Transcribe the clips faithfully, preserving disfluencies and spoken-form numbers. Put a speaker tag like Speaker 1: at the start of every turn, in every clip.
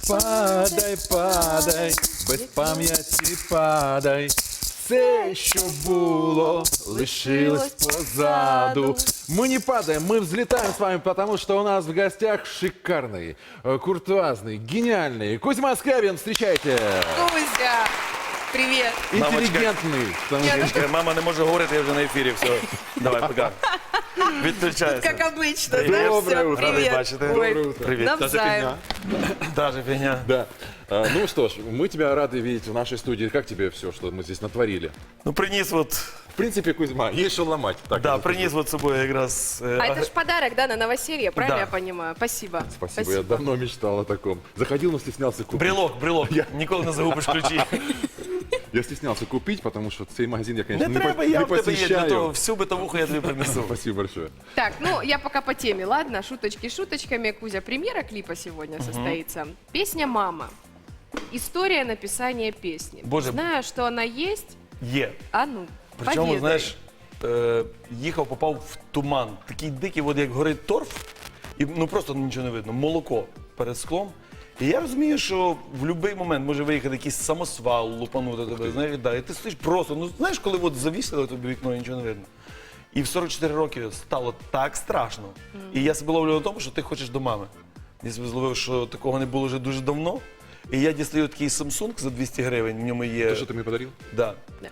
Speaker 1: Падай, падай, без пам'яті падай. Все, що було, лишилось позаду. Мы не падаем, мы взлетаем с вами, потому что у нас в гостях шикарный, э, куртуазный, гениальный Кузьма Скрябин. Встречайте!
Speaker 2: Кузя, привет.
Speaker 1: Интеллигентный. потому что-
Speaker 3: Жіночка, мама не може говорити, я вже на ефірі. Все, давай, пока. Відключайся.
Speaker 2: Как обычно, да?
Speaker 1: Доброе
Speaker 2: Всё,
Speaker 1: утро.
Speaker 3: Радий
Speaker 2: привет.
Speaker 3: бачити.
Speaker 2: Ой,
Speaker 1: Доброе утро.
Speaker 3: Привіт.
Speaker 2: навзаєм.
Speaker 3: Та же фігня.
Speaker 1: Да. А, ну что ж, мы тебя рады видеть в нашей студии. Как тебе все, что мы здесь натворили?
Speaker 3: Ну, приніс от,
Speaker 1: В принципе, Кузьма, есть что ломать. Так,
Speaker 3: да,
Speaker 1: я
Speaker 3: приніс от з собою якраз. е,
Speaker 2: А
Speaker 3: аг-
Speaker 2: это ж подарок, да, на новоселье, правильно
Speaker 3: Да.
Speaker 2: я понимаю? Спасибо.
Speaker 1: Спасибо, я давно мечтал о таком. Заходил, но стеснялся купить.
Speaker 3: Брелок, брелок. Ніколи не загубиш ключі.
Speaker 1: Я стеснялся купить, потому что цей магазин я, конечно,
Speaker 3: Не
Speaker 1: не,
Speaker 3: треба,
Speaker 1: по-
Speaker 3: я
Speaker 1: не
Speaker 3: в тебе є. Для
Speaker 1: посещаю.
Speaker 3: того всю битовуху я тобі принесу.
Speaker 1: Спасибо большое.
Speaker 2: Так, ну я пока по теме, ладно? Шуточки шуточками. Кузя, премьера клипа сегодня состоится. Песня «Мама». История написания песни.
Speaker 3: Боже.
Speaker 2: Знаю, что она есть.
Speaker 3: Є.
Speaker 2: А ну,
Speaker 3: Причому,
Speaker 2: поведай.
Speaker 3: знаєш, е, їхав, попав в туман. Такий дикий, от як горить торф, і ну просто нічого не видно. Молоко перед склом. І я розумію, що в будь-який момент може виїхати якийсь самосвал, лупанути тебе, знаєш, да, і ти стоїш просто, ну знаєш, коли от завісили тобі вікно і нічого не видно. І в сорок чотири роки стало так страшно. І я себе ловлю на тому, що ти хочеш до мами. Я себе зловив, що такого не було вже дуже давно. І я дістаю такий Samsung за двісті гривень, в ньому є.
Speaker 1: То, что ты мне подарил?
Speaker 3: Да.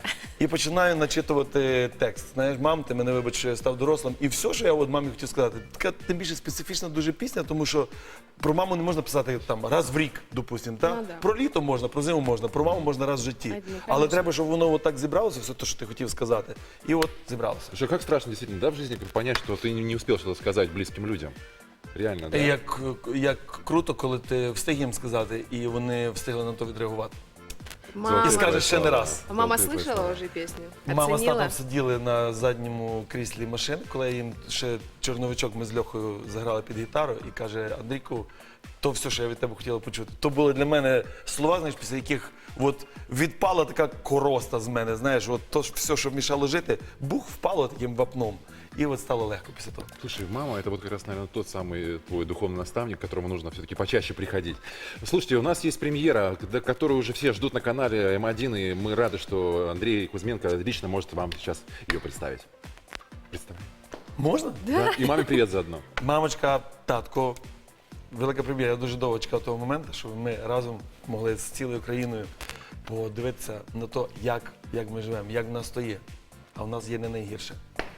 Speaker 3: І починаю начитувати текст. Знаєш, мам, ти мене вибач, що я став дорослим. І все, що я от мамі хотів сказати, така тим більше специфічна дуже пісня, тому що про маму не можна писати там раз в рік, допустимо. Та?
Speaker 2: Ну, да.
Speaker 3: Про літо можна, про зиму можна, про маму можна раз в житті.
Speaker 2: А, ну,
Speaker 3: Але
Speaker 2: конечно.
Speaker 3: треба, щоб воно отак зібралося, все те, що ти хотів сказати. І от зібралося.
Speaker 1: Слушай, как страшно действительно, да, в жизни понять, что ты не не успел что-то сказать близким людям. Реально, да?
Speaker 3: І Як, як круто, коли ти встиг їм сказати, і вони встигли на то відреагувати.
Speaker 2: Мама.
Speaker 3: І скажеш ще не раз.
Speaker 2: А мама
Speaker 1: Золотые
Speaker 2: слышала
Speaker 1: слова.
Speaker 2: уже песню?
Speaker 3: Мама з
Speaker 2: Оценила?
Speaker 3: татом сиділи на задньому кріслі машини, коли я їм ще чорновичок, ми з Льохою заграли під гітару і каже: Андрійку, то все, що я від тебе хотіла почути. То були для мене слова, знаєш, після яких от відпала така короста з мене, знаєш, от то ж все, що мішало жити, бух впало таким вапном. І от стало легко після того.
Speaker 1: Слушай, мама, это вот как раз, наверное, тот самый твой духовный наставник, к которому нужно все-таки почаще приходить. Слушайте, у нас есть премьера, к- которую уже все ждут на канале эм один, и мы рады, что Андрей Кузьменко лично может вам сейчас ее представить. Представь.
Speaker 3: Можна?
Speaker 1: Да? И маме привет заодно.
Speaker 3: Мамочка, татко, велика прем'єра. Я дуже довго чекав того моменту, щоб ми разом могли з цілою країною подивитися на те, як, як ми живемо, як в нас то є. А в нас є не найгірше.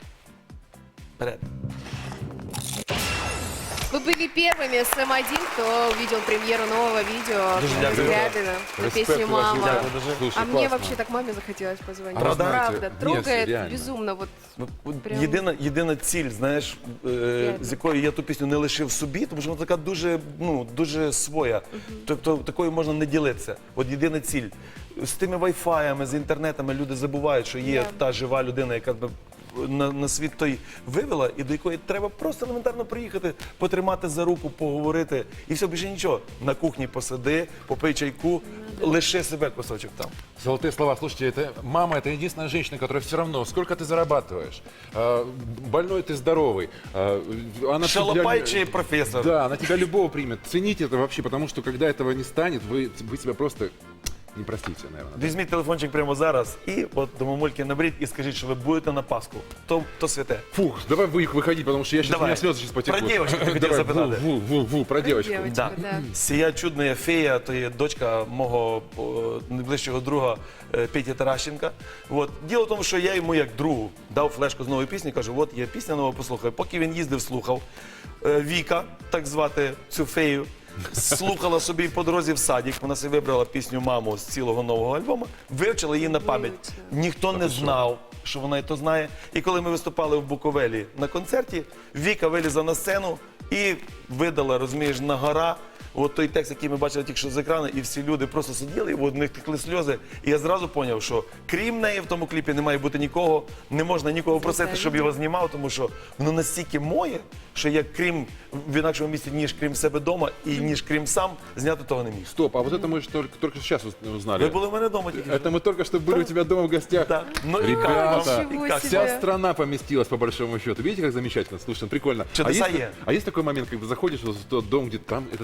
Speaker 3: Вперед.
Speaker 2: Вы были первыми с эм один, кто увидел премьеру нового видео
Speaker 3: Дуже
Speaker 2: Кузьмы
Speaker 3: дякую.
Speaker 2: Скрябина на
Speaker 1: Респект,
Speaker 2: песню
Speaker 1: уважение.
Speaker 2: «Мама».
Speaker 3: Дякую дуже.
Speaker 1: Слушай,
Speaker 2: А мне
Speaker 1: классно.
Speaker 2: вообще так маме захотелось позвонить.
Speaker 1: А вы знаете,
Speaker 2: Правда,
Speaker 1: нет,
Speaker 2: трогает
Speaker 1: реально.
Speaker 2: безумно. Вот
Speaker 3: От- от
Speaker 2: Прям.
Speaker 3: Єдина, єдина ціль, знаєш, е, з якою я ту пісню не лишив собі, тому що вона така дуже, ну, дуже своя. Тобто такою можна не ділитися. От єдина ціль. З тими вайфаями, з інтернетами люди забувають, що є
Speaker 2: Да.
Speaker 3: та жива людина, яка тебе на, на світ той вивела, і до якої треба просто елементарно приїхати, потримати за руку, поговорити. І все, більше нічого. На кухні посиди, попий чайку, лиши себе кусочок там.
Speaker 1: Золотые слова. Слушайте, это мама, это единственная женщина, которая все равно, сколько ты зарабатываешь, а, больной ты, здоровый, а, она
Speaker 3: Шалопай
Speaker 1: тебя-
Speaker 3: чи професор.
Speaker 1: Да, она тебя любого примет. Цените это вообще, потому что когда этого не станет, вы, вы себя просто не простите, наверное.
Speaker 3: Візьміть телефончик прямо зараз і от до мамульки наберіть і скажіть, що ви будете на Пасху. То, то святе.
Speaker 1: Фух, давай вы их выходить, потому что я сейчас, у
Speaker 3: Давай.
Speaker 1: меня слезы сейчас потекут.
Speaker 3: Про девочку ты хотел
Speaker 1: Давай,
Speaker 3: запитать.
Speaker 1: ву, ву, ву, ву, про девочку.
Speaker 2: девочку,
Speaker 3: Да.
Speaker 2: да.
Speaker 3: Сія чудна фея, то є дочка мого о, найближчого друга е, Петі Таращенка. От. Діло в тому, що я йому як другу дав флешку з нової пісні, кажу, от є пісня нова, послухай. Поки він їздив, слухав. Е, Віка, так звати цю фею, слухала собі по дорозі в садик. Вона собі вибрала пісню «Маму» з цілого нового альбому, вивчила її на пам'ять.
Speaker 2: Вивчила.
Speaker 3: Ніхто не знав, що вона і то знає. І коли ми виступали в Буковелі на концерті, Віка вилізла на сцену і видала, розумієш, на гора от той текст, який ми бачили тільки що з екрану, і всі люди просто сиділи, і от в них текли сльози. І я зразу зрозумів, що крім неї в тому кліпі не має бути нікого, не можна нікого просити, щоб його знімав, тому що воно настільки моє, що я крім в інакшому місці, ніж крім себе вдома, і ніж крім сам, зняти того не міг.
Speaker 1: Стоп, а вот это мы же только, только сейчас узнали.
Speaker 3: Ви були в мене вдома тільки.
Speaker 1: Это мы только что были у тебя дома в гостях.
Speaker 3: Так. Ну, і
Speaker 1: Ребята,
Speaker 3: як вам? І як?
Speaker 2: себе.
Speaker 1: вся страна поместилась, по большому счету. Видите, как замечательно? Слушай, ну прикольно. А
Speaker 3: Чудеса
Speaker 1: есть,
Speaker 3: е.
Speaker 1: а есть такой момент, когда заходишь в тот дом, где там, это там вырос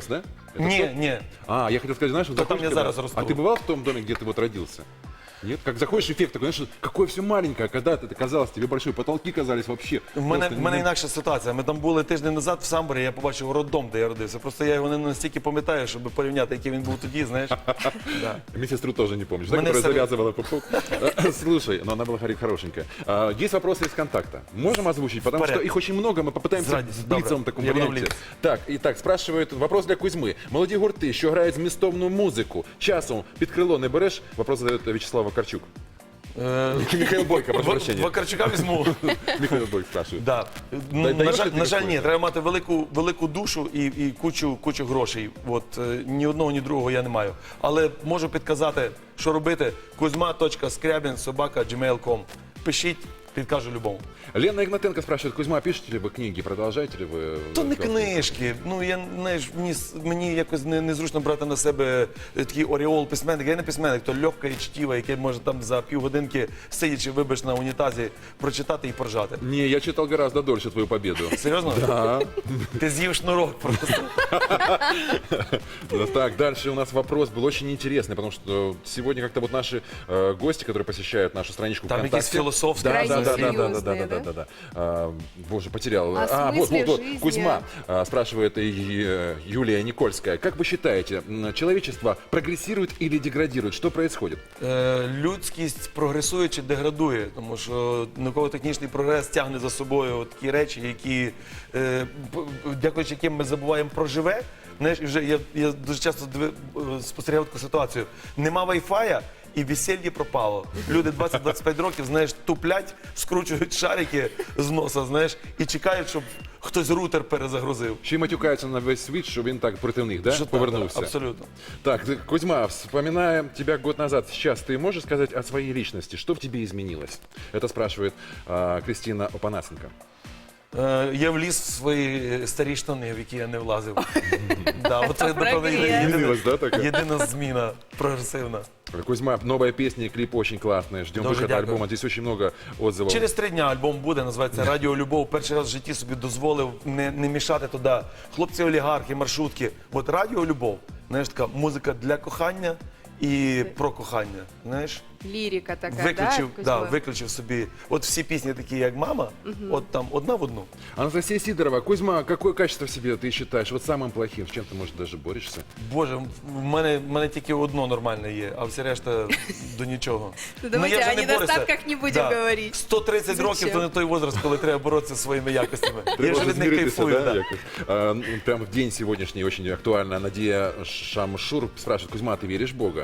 Speaker 1: да? Это
Speaker 3: Ні,
Speaker 1: тот?
Speaker 3: ні.
Speaker 1: А, я хотел сказать, знаешь, вот
Speaker 3: То там
Speaker 1: заходишь
Speaker 3: я
Speaker 1: когда-
Speaker 3: зараз расту.
Speaker 1: А ты бывал в том доме, где ты вот родился? Нет? Как заходишь, эффект такой, знаешь, какое все маленькое, а когда-то это казалось тебе большое, потолки казались вообще.
Speaker 3: У мене,
Speaker 1: просто
Speaker 3: в мене
Speaker 1: не-
Speaker 3: інакша ситуація. Ми там були тиждень назад в Самборі, я побачив роддом, де я родився. Просто я його не настільки пам'ятаю, щоб порівняти, який він був тоді, знаєш. Да.
Speaker 1: Медсестру тоже не помнишь, да,
Speaker 3: Мене
Speaker 1: которая
Speaker 3: совет-
Speaker 1: завязывала пупок? А, Слушай, но она была хоро- хорошенькая. А, Есть вопросы из контакта. Можем озвучить, потому что
Speaker 3: порядке.
Speaker 1: их очень много, мы попытаемся
Speaker 3: С ради-
Speaker 1: в
Speaker 3: добре.
Speaker 1: блицевом таком
Speaker 3: Я буду в
Speaker 1: варианте.
Speaker 3: блиц.
Speaker 1: Так, итак, спрашивают, вопрос для Кузьмы. Молоді гурти, що грають змістовну музику, часом під крило не береш? Вопрос задает Вячеслав Вакарчук.
Speaker 3: Е,
Speaker 1: Михаил Бойко, прошу
Speaker 3: В-
Speaker 1: прощения.
Speaker 3: Вакарчука візьму.
Speaker 1: Михаил Бойко спрашивает.
Speaker 3: Да. Ну,
Speaker 1: Дай-
Speaker 3: на,
Speaker 1: даєш
Speaker 3: жаль,
Speaker 1: ти
Speaker 3: на жаль, ні,
Speaker 1: такої?
Speaker 3: треба мати велику, велику душу і, і кучу, кучу грошей. От, е, ні одного, ні другого я не маю. Але можу підказати, що робити. Кузьма.скрябін собака джимейл точка ком. Пишіть, підкажу любому.
Speaker 1: Лена Игнатенко спрашивает, Кузьма, пишете ли вы книги, продолжаете ли вы?
Speaker 3: То не
Speaker 1: разговор?
Speaker 3: книжки. Ну я знаєш, мені, с- мені якось не, незручно брати на себе е, такий оріол письменника. Я не письменник, то легка і чтіва, яке може там за півгодинки, сидячи, вибач на унітазі, прочитати і поржати.
Speaker 1: Не, я читал гораздо дольше твою победу.
Speaker 3: Серйозно?
Speaker 1: Да.
Speaker 3: Ти з'їв шнурок просто.
Speaker 1: Ну, Так, дальше у нас вопрос был очень интересный, потому что сегодня как-то вот наши э, гости, которые посещают нашу страничку
Speaker 3: Там
Speaker 1: ВКонтакте...
Speaker 3: якісь філософські.
Speaker 1: Да,
Speaker 2: Крайне
Speaker 1: да, да, да, да, да, да,
Speaker 2: серьезные,
Speaker 1: да, да, да. А, Боже, потерял.
Speaker 2: О
Speaker 1: А, вот,
Speaker 2: смысле
Speaker 1: вот, вот.
Speaker 2: жизни.
Speaker 1: Кузьма а, спрашивает и, э, Юлия Никольская. Как вы считаете, м, человечество прогрессирует или деградирует? Что происходит?
Speaker 3: Е, людськість прогресує чи деградує, тому що науково-технічний прогрес тягне за собою от такі речі, які, е, п- дякуючи яким ми забуваємо про живе. Знаєш, і вже я, я дуже часто диви, е, спостерігав таку ситуацію. Нема вайфая, і весілля пропало. Люди двадцять-двадцять п'ять років, знаєш, туплять, скручують шарики з носа, знаєш, і чекають, щоб хтось рутер перезагрузив.
Speaker 1: Ще й матюкаються на весь світ, що він так проти них, да?
Speaker 3: Що так,
Speaker 1: Повернувся.
Speaker 3: абсолютно.
Speaker 1: Так, ты, Кузьма, вспоминая тебя год назад, сейчас ты можешь сказать о своей личности? Что в тебе изменилось? Это спрашивает а, Кристина Опанасенко.
Speaker 3: Е, Я вліз в свої старі штани, в які я не влазив. Да, от це, напевно,
Speaker 2: Прогрес.
Speaker 3: єдина,
Speaker 1: Змінилась, да, така?
Speaker 3: єдина зміна прогресивна.
Speaker 1: Кузьма, новая песня и клип очень классные. Ждем
Speaker 3: Дуже
Speaker 1: выхода
Speaker 3: дякую.
Speaker 1: альбома. Здесь очень много отзывов.
Speaker 3: Через три дня альбом буде, називається Радіо Любов. Перший раз в житті собі дозволив не, не мішати туди хлопці-олігархи, маршрутки. От Радіо Любов, знаєш, така музика для кохання і про кохання. Знаєш,
Speaker 2: Лирика такая,
Speaker 3: виключив,
Speaker 2: да,
Speaker 3: да,
Speaker 2: Кузьма?
Speaker 3: виключив собі. От всі пісні такі, як мама, от там одна в одну.
Speaker 1: Анастасия Сидорова. Кузьма, какое качество в себе ты считаешь вот самым плохим? С чем ты, может, даже борешься?
Speaker 3: Боже, в мене, в мене тільки одно нормальне є, а все решта до нічого.
Speaker 2: Ну, давайте
Speaker 3: я вже
Speaker 2: о
Speaker 3: не борюся.
Speaker 2: недостатках не будем говорить.
Speaker 3: сто тридцять
Speaker 2: Зачем?
Speaker 3: років то не той возраст, коли треба боротися зі своїми якостями. Я
Speaker 1: Треба
Speaker 3: вже від них
Speaker 1: змиритися,
Speaker 3: кайфую.
Speaker 1: да,
Speaker 3: Да.
Speaker 1: якось? А, ну, прямо в день сегодняшний очень актуально. Надія Шамшур спрашивает, Кузьма, ты веришь в Бога?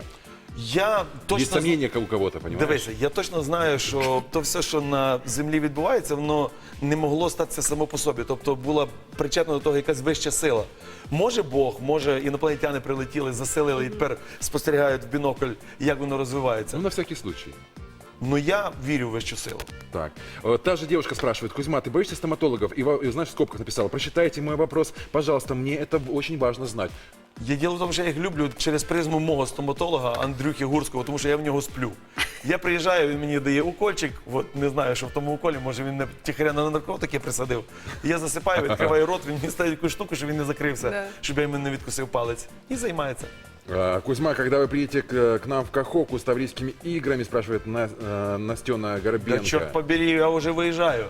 Speaker 3: Я точно
Speaker 1: Есть сомнения у кого-то, понимаешь?
Speaker 3: Дивися, я точно знаю, що то все, що на землі відбувається, воно не могло статися само по собі. Тобто була причетна до того якась вища сила. Може Бог, може інопланетяни прилетіли, заселили і тепер спостерігають в бінокль, як воно розвивається.
Speaker 1: Ну, на всякий случай.
Speaker 3: Ну я вірю в вищу силу.
Speaker 1: Так. Э, Та же девушка спрашивает, Кузьма, ты боишься стоматологов? И, во- и знаешь, в скобках написала, прочитайте мой вопрос, пожалуйста, мне это очень важно знать.
Speaker 3: Я діло в тому, що я їх люблю через призму мого стоматолога Андрюхи Гурського, тому що я в нього сплю. Я приїжджаю, він мені дає укольчик, от не знаю, що в тому уколі, може він не тихаря на наркотики присадив. Я засипаю, відкриваю рот, він мені ставить таку штуку, щоб він не закрився,
Speaker 2: Да.
Speaker 3: щоб я йому не відкусив палець. І займається.
Speaker 1: А, Кузьма, когда вы приедете к, к нам в Каховку с таврийскими играми, спрашивает На- э, Настена
Speaker 3: Да
Speaker 1: Горбенко.
Speaker 3: чорт побери, я вже виїжджаю.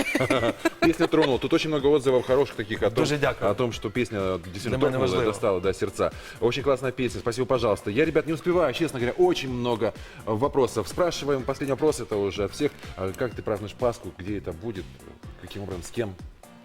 Speaker 1: Песня тронула. Тут очень много отзывов хороших таких о том,
Speaker 3: Дуже дякую.
Speaker 1: о том, что песня действительно
Speaker 3: Для меня
Speaker 1: тронула,
Speaker 3: важливо.
Speaker 1: достала до сердца. Очень классная песня. Спасибо, пожалуйста. Я, ребят, не успеваю, честно говоря, очень много э, вопросов. Спрашиваем, последний вопрос это уже от всех. А Как ты празднуешь Пасху? Где это будет? Каким образом? С кем?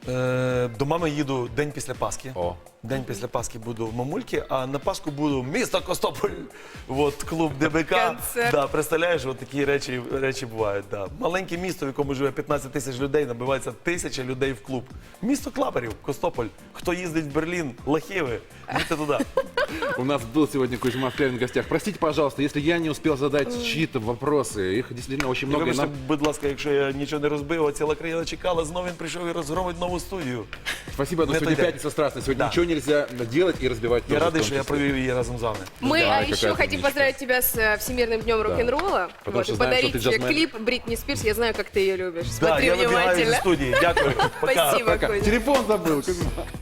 Speaker 3: Е, до мами їду день після Пасхи.
Speaker 1: О.
Speaker 3: День після Пасхи буду в Мамульки, а на Пасху буду місто Костополь. От клуб ДБК.
Speaker 2: Концерт.
Speaker 3: Да, представляєш, от такі речі, речі бувають. Да. Маленьке місто, в якому живе п'ятнадцять тисяч людей, набивається тисяча людей в клуб. Місто Клаперів, Костополь. Хто їздить в Берлін, Лахіви, їдьте туди.
Speaker 1: У нас был сегодня Кузьма Скрябин в гостях. Простите, пожалуйста, если я не успел задать чьи-то вопросы. Их действительно очень
Speaker 3: І
Speaker 1: много. и
Speaker 3: вибачте,
Speaker 1: нам-
Speaker 3: будь ласка, якщо я нічого не розбив, а ціла країна чекала, знову він прийшов і розгромить нову студію.
Speaker 1: Спасибо, но
Speaker 3: Не
Speaker 1: сегодня
Speaker 3: той день.
Speaker 1: пятница страстная. Сегодня
Speaker 3: Да.
Speaker 1: ничего нельзя делать и разбивать.
Speaker 3: Я
Speaker 1: тоже в
Speaker 3: радий,
Speaker 1: том
Speaker 3: що я
Speaker 1: числе.
Speaker 3: провів її разом з вами.
Speaker 2: Мы
Speaker 1: Да,
Speaker 2: а
Speaker 1: какая
Speaker 2: еще
Speaker 1: ты
Speaker 2: хотим
Speaker 1: умничка.
Speaker 2: поздравить тебя с э, Всемирным днем рок-н-ролла.
Speaker 1: Потому
Speaker 2: Вот,
Speaker 1: что
Speaker 2: и
Speaker 1: знаем, что
Speaker 2: подарить
Speaker 1: ты
Speaker 2: тебе
Speaker 1: джазмен.
Speaker 2: клип Бритни Спирс. Я знаю, как ты ее любишь.
Speaker 3: Да,
Speaker 2: Смотри
Speaker 3: я вибігаю зі
Speaker 2: внимательно.
Speaker 3: студії. Дякую. Пока.
Speaker 2: Спасибо,
Speaker 1: Пока.
Speaker 2: Кузя.
Speaker 1: Телефон забыл. Кузьма.